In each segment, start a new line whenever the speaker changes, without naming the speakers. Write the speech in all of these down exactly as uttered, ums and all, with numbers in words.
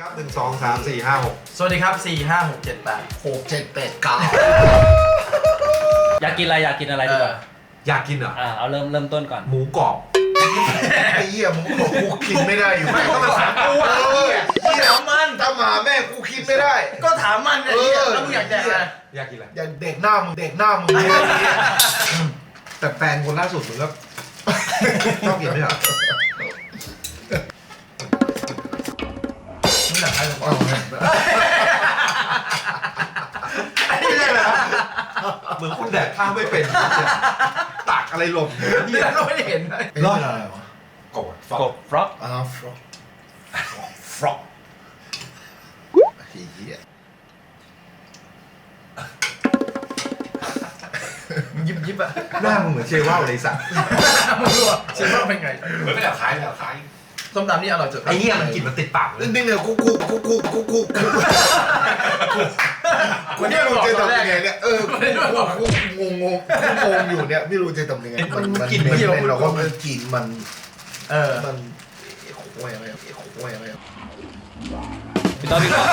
ครับหนึ่งสองสามสี่ห้าหก
สวัสดีครับสี่ห้าหกเจ็ดแปด
หกเจ็ดแปดเก้า
อยากกินอะไรอยากกินอะไรดีกว่า
อยากกินเหรอ
อ่าเอาเริ่มเริ่มต้นก่อน
หมูกรอบ
ไอ้เหี้ยมึงบอกกูกินไม่ได้อยู่ไม่ก็มาถามกูเออเหี้ยมันถ้ามาแม่กูคิดไม่ได้
ก็ถามมันไอ้เหี้ยแล้วมึงอยากแดกอะไร
อยากกินอะไร
อยากเด็กหน้ามึงเด็กหน้ามึง
แต่แฟนคนล่าสุดมึงก็ชอบกินไหมอ่ะ
มึงอยากให้ผมเอา
ไม่ได้เลยเหมือนคนแดกข้าวไม่เป็นตักอะไรหล่น
เนี่ยเราไม่ได้เห็นเลย
เป็นอะไรวะ
กบ
กบฟรอก
อ่าฟรอกฟรอกเหี้ย
ยิบยิบอะ
หน้ามึงเหมือนเชว่าวเลยสัตว์
มึงรู้อ่ะเชว่าวเป็นไง
เหมือนไม่แบบคล้ายแบบคล้าย
ส้มตำนี่อร่อยสุด
ไอ้เหี้ยมันกลิ่นมันติดปากเลย
นี่เนี่ยกูกูกูกูกูกูกูกูไม่รู้จะทำยังไงเนี่ยเออกูงงงงงอยู่เนี่ยไม่รู้จะทำยังไงมันมันกลิ่นมันเราก็มันกลิ่นมัน
เออ
มันโอ้ยอะไรโอ้ยอะไร
พี่ต้อพี่ต้อ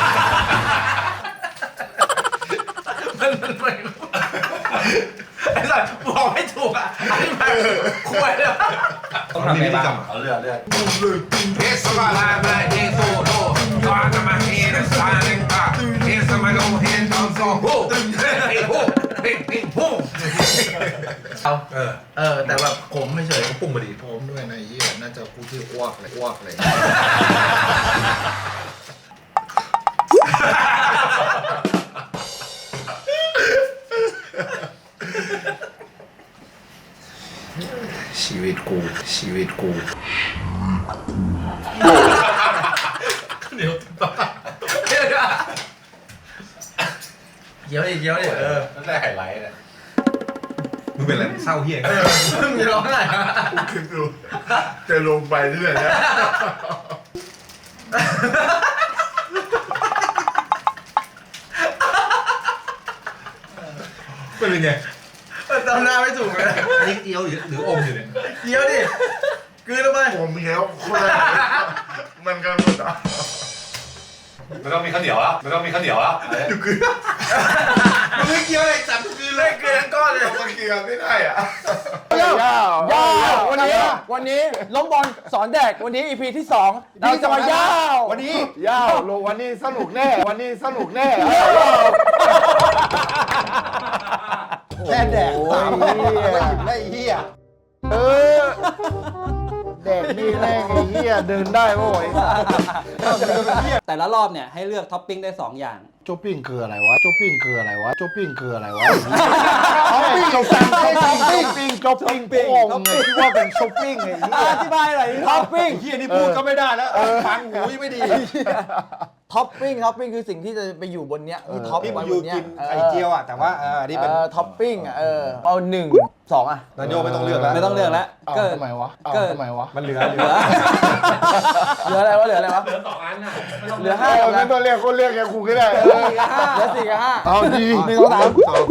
มันมันไม่ไอ้สัสบอกไม่ถูกอ่ะอันนี้มันคุยเลย
ต้องทำไงบ้าง
เอาเลือดเลือดเอสมาลามาเอโซโตตอนจะมาเฮนสาเลงกาเอสมาโลเฮนทอมโซโฮเฮ้โฮเฮ้โฮ
เอาเออเออแต่แบบผมไม่เฉย
ผมปรุงมาดี
ผมด้วยนะยี่น่าจะกูที่อ้วกเลยอ้วกเลยชีวิตกูชีวิตกู
เดี๋ยวต่อเดี๋ยวเดี๋ยวดิเดี๋ยวดิเออ
นั่นแหละไฮไลท์เลยมึงเป็นอะไรเศร้าเฮี้ย
มึงจะร้องอะไร
กูคิดดูจะลงไปเรื่อยนะ
เป็นยังไง
จำหน้าไม่ถูกเลย
อันนี้เกี๊ยวหรืออมอยู่เนี่ย
เกี๊ยวดิกืนลงไป
ผมเกี๊ยวคนละมันกันหมดอ่ะ
ไม่ต้องมีข้าวเหนียวแล้วไม่ต้องมีข้าวเหนียวแล้วอยู่กืนมึงไม่เกี๊ยวอะไรจับกืนเลย
กืนทั้งก้อนเลย
มันเกี๊ยวไม่ได้อ่ะ
ยาวยาววันนี้วันนี้ล้มบอลสอนแดกวันนี้ อี พี ที่สองเราจะมายาว
วันนี้ยาวลงวันนี้สนุกแน่วันนี้สนุกแน่แค่แดกสามเหี้ยได้เหี้ยเออแดกนี่แม่งไอ้เหี้ยเดินได้โว้ย
แต่ละรอบเนี่ยให้เลือกท็อปปิ้งได้สองอย่าง
ช็อปปิ้งคืออะไรวะช็อปปิ้งคืออะไรวะช็อปปิ้งคืออะไรวะช็อปปิ้งช็อปปิ้งช็อปปิ้งช็อปปิ้งช็อปปิ้งโง่ไงที่ว่าเป็นช็อปปิ้งไง
อธิบายหน่อย
ท็อปปิ้ง
เหี้ยนี่พูดก็ไม่ได้แล้วฟังหูไม่ดี
ท็อปปิ้งท็อปปิ้งคือสิ่งที่จะไปอยู่บนเนี้ยที่ท็อป
ไว้บนเนี้ยไข่เจียวอ่ะแต่ว่าเออนี่เป็น
ท็อปปิ้งอ่ะเออเอาหนึ่งสองอ่ะ
นายโยไม่ต้องเลือกแล้ว
ไม่ต้องเลือกแล้ว
ก็ทำไมวะก็ทำไมวะมันเหลือเหลือ
เหลืออะไรวะเหลืออะไรวะ
เหลือสองอันน่ะ
เหลือห้า
ไม่ต้องเรียกคนเรียกแกครูก็ได้เห
ลือสี่กับห้า
เอาดี
หนึ่งสองสาม
สอง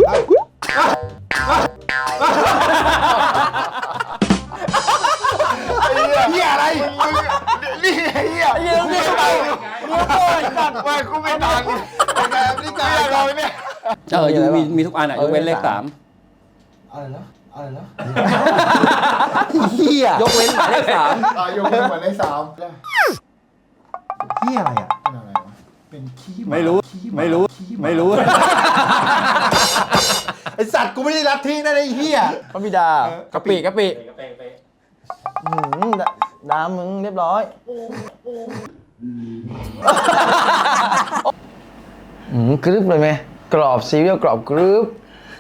เฮียอะไรนี่เฮีย
ยืมนี่ไปยืมตัวจัด
ไปกูไม่ตังค์แต่นี่ใจเราเนี่ย
เอออยู่มีมีทุกอันอ่ะยกเว้นเลขสาม
อะไรนะอะไรนะ
เฮีย
ยกเว้นหมายเลขสาม
ยกเว้นหมายเลขสาม
เฮียอะไรอ่ะ
เป็นอะไรวะเป็นขี้
ไม่รู้ไม่รู้ไม่รู้
ไอสัตว์กูไม่ได้รับทิ้งนะไอ้เฮีย
พระบิดากะปิกะปิน้ำมึงเรียบร้อยอืมกรึบเลยไหมกรอบซีเรียลกรอบกรึบ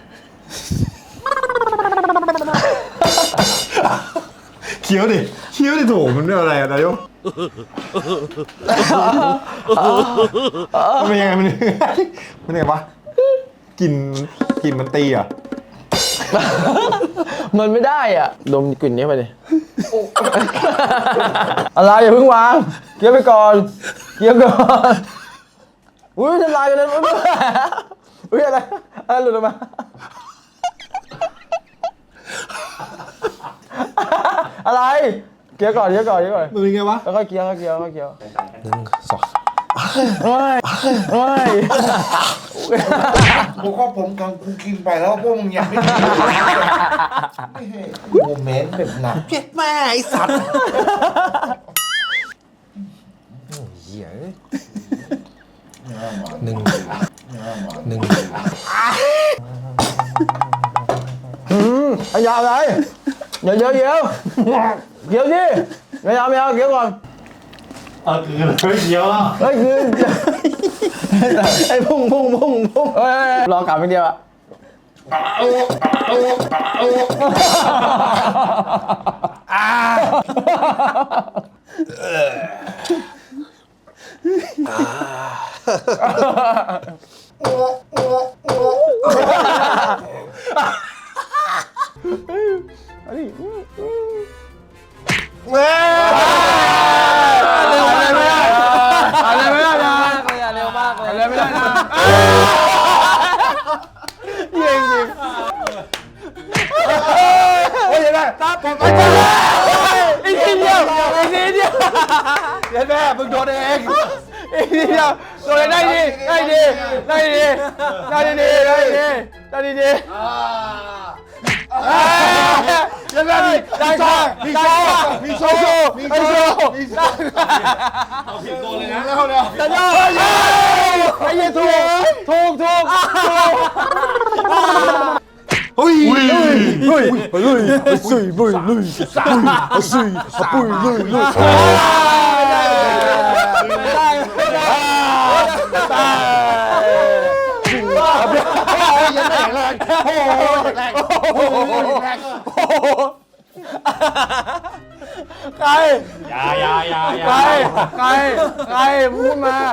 เคี้ยวดิเคี้ยวดิโถมันเป็นอะไรอะนายกมันเป็นยังไงมันมันยังไงวะกินกินมันตีอ่ะ
มันไม่ได้อ่ะดมกลิ่นนี้ไปดิอะไรอย่าเพิ่งวางเคี้ยวไปก่อนเคี้ยวก่อนอุ้ยทำลายกันเลยอุ้ยอะไรอะไรหลุดออกมาอะไรเคี้ยวก่อนเคี้ยวก่อนเคี้ยวก่อน
มันเป็นไงวะ
แล้วก็เคี้ยวแล้วก็เคี้ยวแล้วก็เคี้ยว
หนึ่งสอง
เฮ้ยเฮ้ย
กูก็ผมกังกูกินไปแล้วพวกมึงยังไม่กินโมเมนต์แบบหนักเจ็ดแม่ไอสัตว์เหี้ยหนึ่งหนึ่ง
อืมไอ้ยาวอะไรเดี๋ยวเดี๋ยวเดี๋ยวเดี๋ยวสิไม่เอาไม่เอาเดี๋ยวก่อน
เออคือเลยเดียวอ่ะ
เฮ้ยคือไอ้พุ่งพุ่งพุ่งพุ่งเฮ้ยรอกลับเป็นเดียวอะอ่าอันนี้เว้ยอะไรไม่ได้อะไรไม่ได้นะ
เร็วมากเลย
อะไรไม่ได้นะเยี่ยงจริงโอ้ยยังไงตามผมไปจ้าอีกทีเดียวอีกทีเดียวเดี๋ยวแม่มึงโดนเองอีกทีเดียวโดนได้ดีได้ดีได้ดีได้ดีได้ดีได้ดียังไงได้ช่องมีโชว์มีโชว์มีโชว์มีโชว์
เอาผิดตัวเลยนะ
แล้วเนี่ย
จะยอดไอ้ยี่ถูกถูกถูก
เฮ้ย
เฮ้ยเฮ้ยเฮ้ยสุยบุยลุยสุยสุยปุยลุยลุยได้ได้ได้ยังแรงแรงโอ้แรงโอ้แรงใคร
อย่าอย่าอย่าอย่า
ใครใครใครพูดมา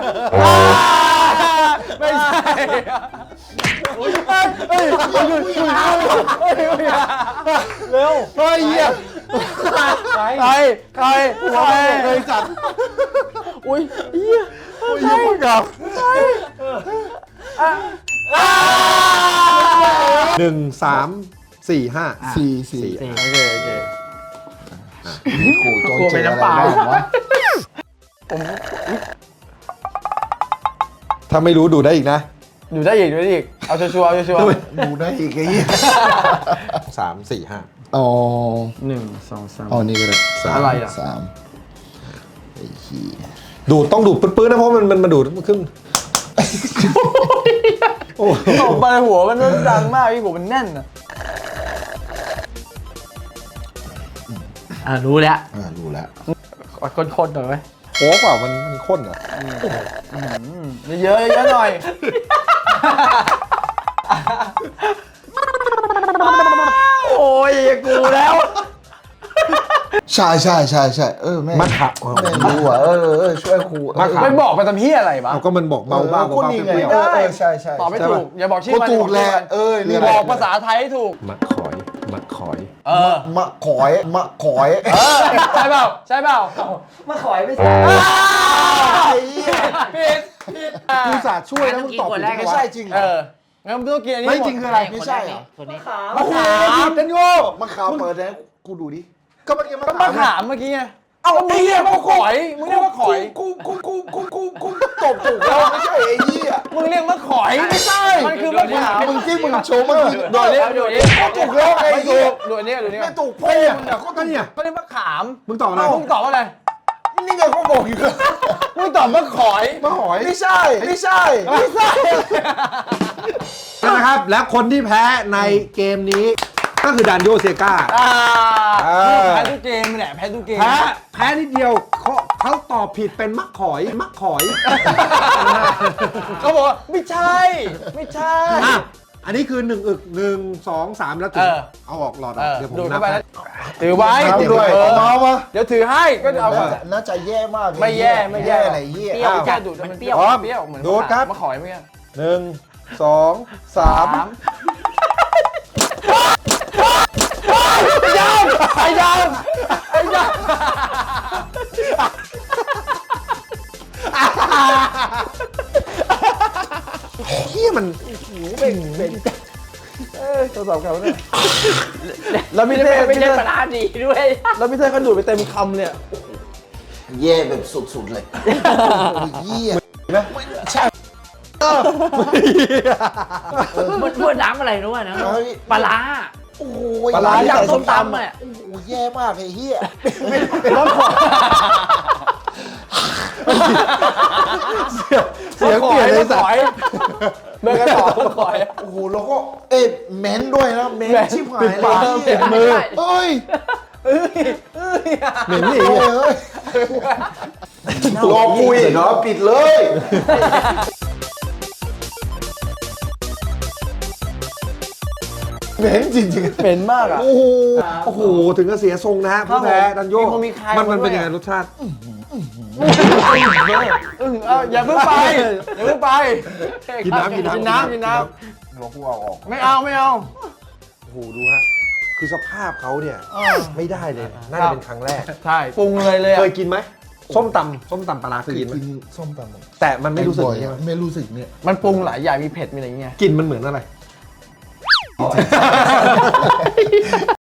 ไม่ใช่เฮ้ยเฮ้ยเฮ้ยเร็วเฮ้ยเหี้ยใครใครใครหัวแม่เลยจัดอุ้ยเหี้ยใครกับใคร
หนึ่งสามสี่ห้า
สี่สี่
โอเคโอเค
กูโดนเจออะไรบ้างวะ
ถ้าไม่รู้ดูได้อีกนะ
อยู่ได้อีกอยู่ได้อีกเอาชัวร์เอาชัวร์
ดูได้อีกไอ้เหี้ย
สามสี่ห้า
อ๋อ
หนึ่งสองสาม
อ๋อนี่ก็ได้สาม
อะไรอ่ะ
สามไอ้เหี้ย
ดูดต้องดูดปื้ดๆนะเพราะมันมันมาดูดมันขึ้น โอ้
ตบไปหัวมันดังมากพี่หัวมันแน่นอ่ะ
อ่ารู้แล้ว
อ่ารู้แล้ว
คนๆหน่อยไหม
โหเปล่ามันมันข้นเหรอ
เยอะๆเยอะหน่อยโอ้ยกูแล้ว
ใช่ใช่ใช่ใช่เออแม่
มะขาม
แม่รู้อ่ะเออเออช่วยครู
มะขาม
ไม่บอกไปทำเฮียอะไรบ้า
เอาก็มันบอกเบาบ้า
คน
เบา
นี้
ๆ
ไง
เปรี้ยว
เออเออใช่ใช่
ตอบไม่ถูกอย่าบอกชื่อ
ก็
มัน
ถูกแหละเออนี่แห
บ
ละ
อกภาษาไทยให้ถูก
ๆมะขอยมะขอย
เออ
มะขอยมะขอย
เออใช่เปล่าใช่เปล่า
มาขอยไม่ใช่
ไอ้เหี้ย
ผิดผิด
กูสาห์ช่วยแล้วมึงตอบผิดไม่ใช่จริงเหร
เอ
อ
องั้นมึงต้องกินอันนี้
ไม่จริงคืออะไรไม่ใช่เหรอ
คนนี้
มะขามเป็นโง่มะขามเปิดแล้วกูดูดิก็เมื่อกี้มะ
ก็
ขาม
มาถามเมื่อกี้ไงเอามึงเรียกว่าขอยมึงเรียกว่าขอย
กูกูกูกูกูกูตบถูกแล้วไม่ใช่ไอ้เหี้ย
มึงเรียกว่าขอยไม่ใช่มันคือมะขาม
มึงที่มึงโชว์เมื่อกี้
โดดนี้โดดนี้
ก็ถูกแล้วไอ้
ไม่
เหี้
ถู
ย
กโดดนี้โดดนี้
ไม่ถูกพ่อมึงอะก็
ก็เนี่ย
ก็เรียกว่าขาม
มึงตอบอะไร
มึงตอบว่าอะไร
นี่ไงเขาบอกอยู่
มึงตอบว่าขอย
มะหอยไม่ใช่ไม่ใช่
ไม่ใช่
นะครับ และคนที่แพ้ในเกมนี้ ก็คือดานโยเซกา
อ่า
เออ
แพ้ทุกเกมแหละแพ้ทุกเกม
แพ้แพ้นิดเดียวเขาเขาตอบผิดเป็นมะขอยมะขอย
เขาบอกว่าไม่ใช่ ไม่ใช่
อ่ะอันนี้คือหนึ่งอึกหนึ่งสองสามแล้วถือ
เออ
เอาออกหลอดอ
เอ
อก
อ
เดี๋ยวผม
ดูด
นั
เข้า
บ
ไป
ให้
แล้วถือไว้
เอาด้วย
เออ
เอามามา
เดี๋ยวถือให้ก็เอาก่อน
น่าจะแย่มาก
ไม่แย่ไม่แย่
อะไรเหี้ย
เปรี้ยว
อ้าว
จัด
ดูด
มันเปรี้ยว
พร้อมเปรี้ยวเหมือน
ดูดครับ
มะขอยเมื่อกี้
หนึ่งสองสาม
สามไอ้ยามไอ้ยามไอ้ยาม
เฮียมัน
ทดสอบเขาเนี่ยแล้วพี่เต้
ไม่
พี่
ใช่
เต้
ปลาร้าดีด้วย
แล้วพี่เต้เขาดูดไปเต็มคำเนี่ย
แย่แบบสุดๆเลยเหี้ย
มันพูดน้ำอะไรรู้ป่ะนะปลาร้า
โอ้โห
ปลาร้า
อยาก
ใส่
ส้
ส้
ม
ม
ตำ
ตำ
อ่ะ
อ่ะ
โอ้โหแย่มากไอ้เหี้ย
รถขวาเสียงเปลี่ยนเลยสัตว์เมื่อกันต่อรถขวา
โอ้โหแล้วก็เอ๊ะเม้นด้วยนะเม้นชิบหาย
ปิด
เล
ปาก
ย
ปิดมือ
เอ้ย
เหม็นนี่
โอ้ยเอ้ยรอคุยเนาะปิดเลยเม้นจริงๆ
เหม็นมากอ่ะ
โอ้โห โอ้โห ถึงกับเสียทรงนะฮะผู้แพ้ดันโย
มีคนมีใคร
มันมัน
มาด้วย
เป็นยังไงรสชาติ
อึ้งเอาอย่าเพิ่งไปอย่าเพิ่งไป
กินน้ำกินน้ำ
กินน้ำกินน้
หลวงกูเอาออก
ำไม่เอาไม่เอา
โอ้โห ดูฮะ คือสภาพเขาเนี่ย ไม่ได้เลย น่าจะเป็นครั้งแรก
ใช่ปรุงเลยเลย
เค
อะ
ยกินไหม ส้มตำส้มตำปลาร้าเคยกินไหม
กินส้มตำ
แต่มันไม่รู้สึก
บ่อย
ใช่ไหม
ไม่รู้สึกเนี่ย
มันปรุงหลายอย่างมีเผ็ดมีอะไรอย่างเงี้ย
กลินมันเหมือนอะไร